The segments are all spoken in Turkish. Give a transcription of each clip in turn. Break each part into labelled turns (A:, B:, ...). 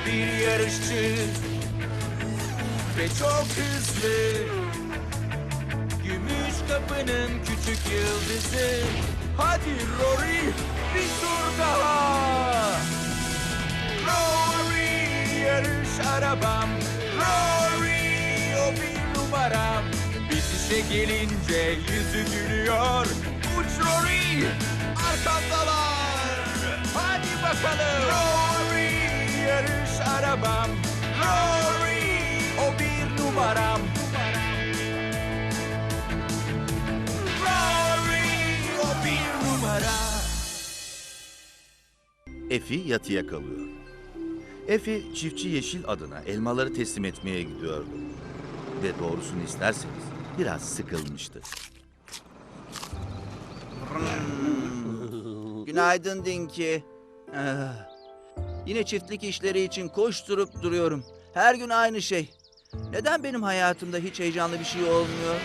A: bir yarışçı ve çok hızlı. Gümüş kapının küçük yıldızı. Hadi Rory, bir tur daha. Rory, yarış arabam. Rory, o bir numaram. Bitişe gelince yüzü gülüyor. Uç Rory, arkamdalar. Hadi bakalım. Rory, yarış arabam. Rory, o bir numaram. Rory, o bir numara.
B: Effie yatıya kalıyor. Effie, çiftçi Yeşil adına elmaları teslim etmeye gidiyordu. Ve doğrusunu isterseniz biraz sıkılmıştı.
C: Günaydın Dinky. Yine çiftlik işleri için koşturup duruyorum. Her gün aynı şey. Neden benim hayatımda hiç heyecanlı bir şey olmuyor?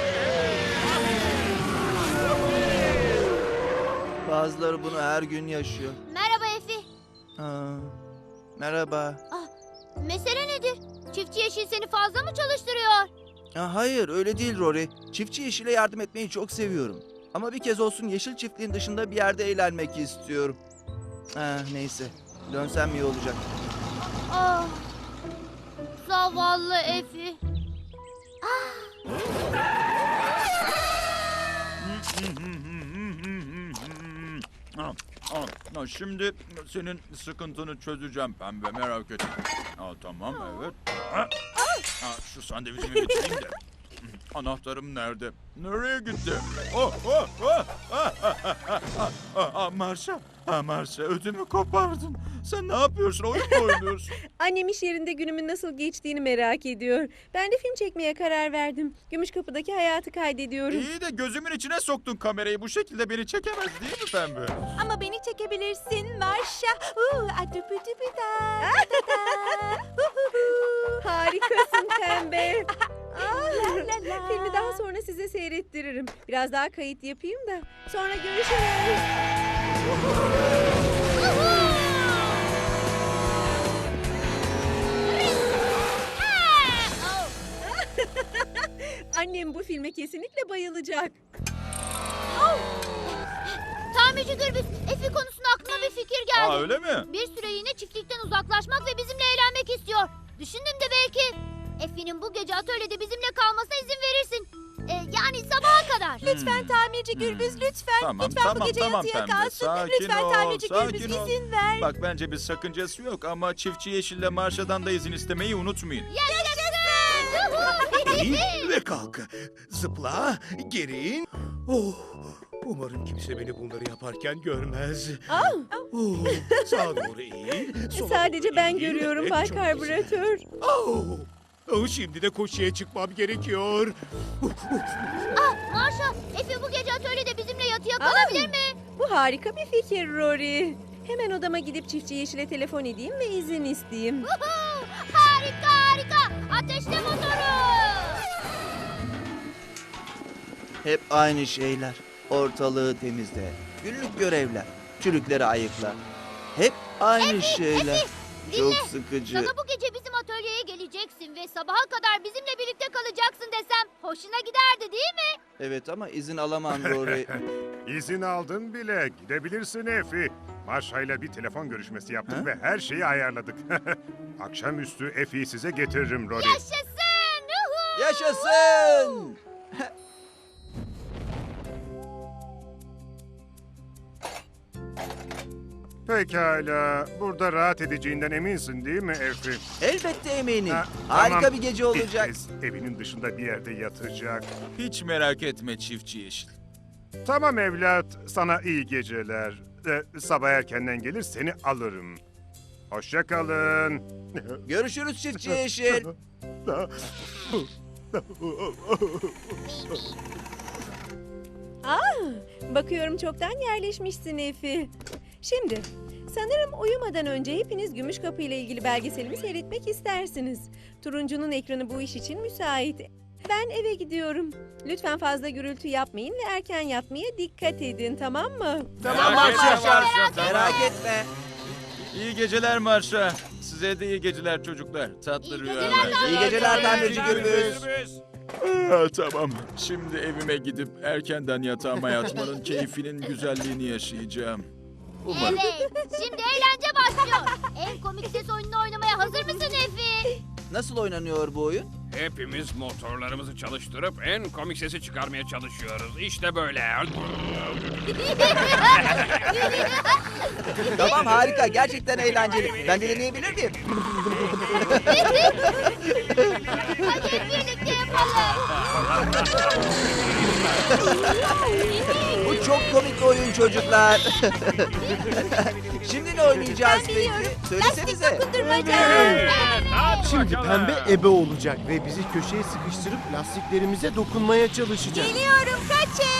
C: Bazıları bunu her gün yaşıyor.
D: Merhaba Efi.
C: Merhaba.
D: Mesele nedir? Çiftçi Yeşil seni fazla mı çalıştırıyor?
C: Hayır, öyle değil Rory. Çiftçi Yeşil'e yardım etmeyi çok seviyorum. Ama bir kez olsun yeşil çiftliğin dışında bir yerde eğlenmek istiyorum. Neyse, dönsem iyi olacak.
D: Ah, zavallı Efi.
A: Şimdi senin sıkıntını çözeceğim pembe, merak etme. Tamam, evet. Şu sandviçimi bitireyim de. Anahtarım nerede? Nereye gitti? Marşa, ödümü kopardın. Sen ne yapıyorsun? Oyun mu oynuyorsun?
E: Annem iş yerinde günümün nasıl geçtiğini merak ediyor. Ben de film çekmeye karar verdim. Gümüşkapı'daki hayatı kaydediyorum.
A: İyi de gözümün içine soktun kamerayı. Bu şekilde beni çekemez değil mi pembe?
F: Ama beni çekebilirsin Marşa.
E: Harikasın pembe.
F: La la.
E: Filmi daha sonra size seyrettiririm. Biraz daha kayıt yapayım da. Sonra görüşürüz. Annem bu filme kesinlikle bayılacak.
D: Tamirci Gürbüz, Efi konusunda aklıma bir fikir geldi.
A: Öyle mi?
D: Bir süre yine çiftlikten uzaklaşmak ve bizimle eğlenmek istiyor. Düşündüm de belki Efi'nin bu gece atölyede bizimle kalmasına izin verirsin. Yani sabaha kadar.
F: Lütfen tamirci Gürbüz lütfen.
A: Tamam,
F: lütfen bu gece
A: tamam
F: yatıya
A: pembe.
F: kalsın.
A: Sakin
F: Lütfen
A: ol,
F: tamirci
A: sakin
F: Gürbüz
A: ol.
F: izin ver.
A: Bak bence bir sakıncası yok ama çiftçi Yeşil'le Marşa'dan da izin istemeyi unutmayın.
D: Yaşasın!
G: Ve kalk. Zıpla, gerin. Umarım kimse beni bunları yaparken görmez. Sağa doğru eğil. sola
E: Sadece
G: doğru
E: ben
G: eğil.
E: görüyorum
G: Evet,
E: Bay
G: çok güzel.
E: Karbüratör.
G: Şimdi de koşuya çıkmam gerekiyor.
D: Marşa, Efi bu gece atölyede bizimle yatıya kalabilir mi?
E: Bu harika bir fikir Rory. Hemen odama gidip çiftçi Yeşil'e telefon edeyim ve izin isteyeyim.
D: Harika! Ateşle motoru!
C: Hep aynı şeyler. Ortalığı temizle. Günlük görevler. Çürükleri ayıkla. Hep aynı şeyler.
D: Efi,
C: Çok
D: dinle.
C: sıkıcı.
D: Sana bu gece bizim atölyeye geleceksin ve sabaha kadar bizimle birlikte kalacaksın desem hoşuna giderdi değil mi?
C: Evet ama izin alamam Rory.
H: İzin aldın bile. Gidebilirsin Efi. Marşa'yla bir telefon görüşmesi yaptık ve her şeyi ayarladık. Akşamüstü Efi'yi size getiririm Rory.
D: Yaşasın! Uhu!
C: Yaşasın!
H: Pekala. Burada rahat edeceğinden eminsin değil mi Efi?
C: Elbette eminim.
H: Ha,
C: Harika
H: tamam.
C: bir gece olacak.
H: Bir kez evinin dışında bir yerde yatacak.
A: Hiç merak etme çiftçi Yeşil.
H: Tamam evlat. Sana iyi geceler. Sabah erkenden gelir seni alırım. Hoşça kalın.
C: Görüşürüz çiftçi Yeşil.
E: Bakıyorum çoktan yerleşmişsin Efi. Şimdi sanırım uyumadan önce hepiniz Gümüşkapı ile ilgili belgeselimi seyretmek istersiniz. Turuncunun ekranı bu iş için müsait. Ben eve gidiyorum. Lütfen fazla gürültü yapmayın ve erken yatmaya dikkat edin, tamam mı?
C: Tamam
A: Merak etme
C: Marşa.
A: Marşa, tamam.
C: Merak etme.
A: İyi geceler Marşa. Size Size de iyi geceler çocuklar. Tatlı
D: İyi
A: rüyalar.
D: geceler.
C: İyi geceler tamirci Gürbüz.
A: Tamam. Şimdi evime gidip erkenden yatağıma yatmanın keyfinin güzelliğini yaşayacağım. Umarım.
D: Evet. Şimdi eğlence başlıyor. En komik ses oyununu oynamaya hazır mısın Efi?
C: Nasıl oynanıyor bu oyun?
I: Hepimiz motorlarımızı çalıştırıp en komik sesi çıkarmaya çalışıyoruz. İşte böyle.
C: Tamam harika. Gerçekten eğlenceli. Ben de deneyebilir miyim?
D: Hadi hep birlikte yapalım.
C: Bu çok komik oyun çocuklar. Şimdi ne oynayacağız peki? Söylesenize.
J: Şimdi pembe ebe olacak ve bizi köşeye sıkıştırıp lastiklerimize dokunmaya çalışacak.
F: Geliyorum, kaçın.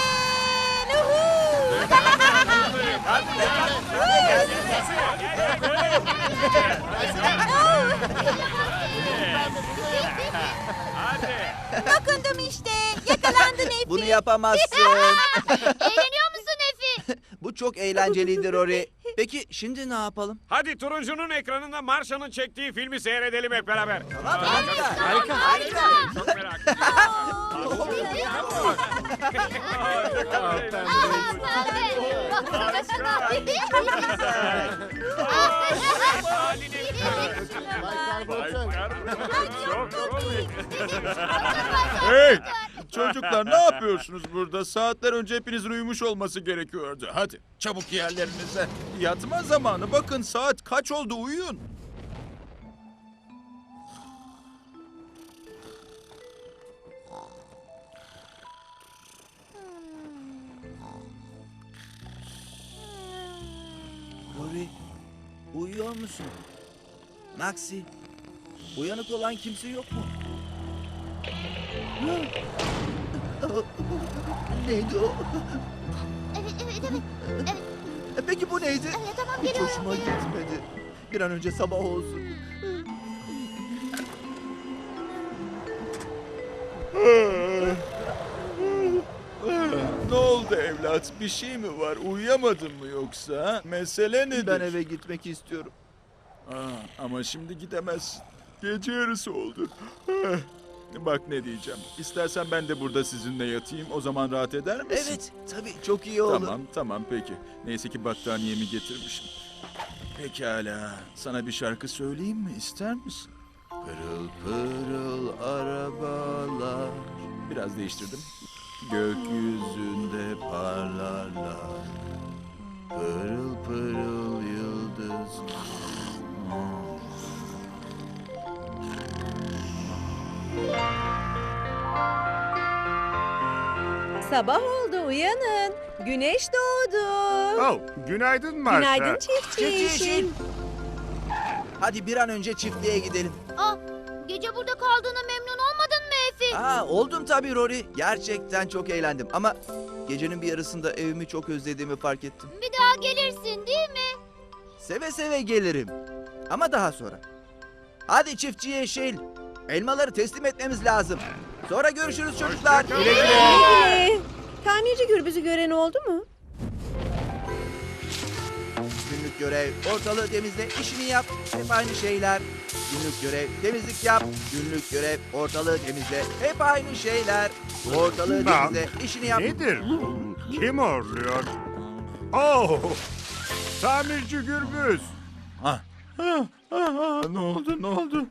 F: Dokundum işte. Yakalandın Efi.
C: Bunu yapamazsın.
D: Eğleniyor musun Efi?
C: Bu çok eğlenceliydi Rory. Peki şimdi ne yapalım?
I: Hadi turuncunun ekranında Marsha'nın çektiği filmi seyredelim hep beraber.
C: Tamam harika.
D: Harika.
I: Çok merak ediyorum.
A: Çok komik. Hey! Çocuklar ne yapıyorsunuz burada? Saatler önce hepinizin uyumuş olması gerekiyordu. Hadi çabuk yerlerinize. Yatma zamanı. Bakın saat kaç oldu, uyuyun.
C: Rory, uyuyor musun? Maxi, uyanık olan kimse yok mu? Neydi o?
D: Evet.
C: Peki bu neydi?
D: Tamam
C: Hiç
D: geliyorum.
C: hoşuma gitmedi. Bir an önce sabah olsun.
A: Ne oldu evlat? Bir şey mi var? Uyuyamadın mı yoksa? Ha? Mesele nedir?
C: Ben eve gitmek istiyorum.
A: Ama şimdi gidemezsin. Gece yarısı oldu. Bak ne diyeceğim. İstersen ben de burada sizinle yatayım. O zaman rahat eder misin?
C: Evet, tabii çok iyi olur.
A: Tamam peki. Neyse ki battaniyemi getirmişim. Pekala. Sana bir şarkı söyleyeyim mi? İster misin? Pırıl pırıl arabalar. Biraz değiştirdim. Gökyüzünde parlarlar. Pırıl pırıl yıldızlar.
E: Sabah oldu, uyanın. Güneş doğdu.
H: Oh, günaydın Maşa.
E: Günaydın çiftçi yeşil.
C: Hadi bir an önce çiftliğe gidelim.
D: Gece burada kaldığına memnun olmadın mı Efi?
C: Oldum tabii Rory. Gerçekten çok eğlendim ama gecenin bir yarısında evimi çok özlediğimi fark ettim.
D: Bir daha gelirsin değil mi?
C: Seve seve gelirim. Ama daha sonra. Hadi çiftçi yeşil. Elmaları teslim etmemiz lazım. Sonra görüşürüz çocuklar. Güle güle.
E: Güle. Tamirci Gürbüz'ü gören oldu mu?
C: Günlük görev, ortalığı temizle, işini yap. Hep aynı şeyler. Günlük görev, temizlik yap. Günlük görev, ortalığı temizle. Hep aynı şeyler. Ortalığı
H: Bak,
C: temizle, işini yap.
H: Nedir bu? Kim horluyor? Oh! Tamirci Gürbüz.
A: Ne oldu?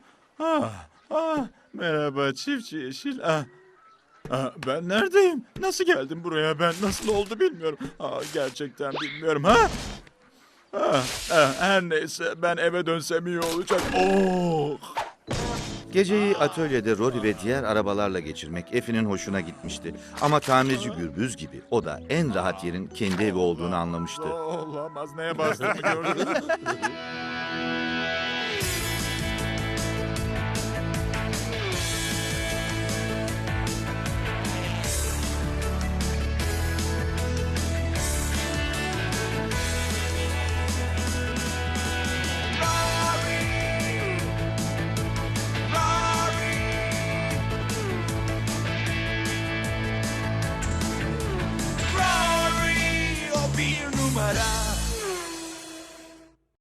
A: Merhaba çiftçi yeşil. Ben neredeyim? Nasıl geldim buraya ben? Nasıl oldu bilmiyorum. Gerçekten bilmiyorum. Her neyse ben eve dönsem iyi olacak. Oh!
B: Geceyi atölyede Rory ve diğer arabalarla geçirmek Effie'nin hoşuna gitmişti. Ama tamirci Gürbüz gibi o da en rahat yerin kendi evi olduğunu anlamıştı.
A: Olamaz, neye bastığımı gördün.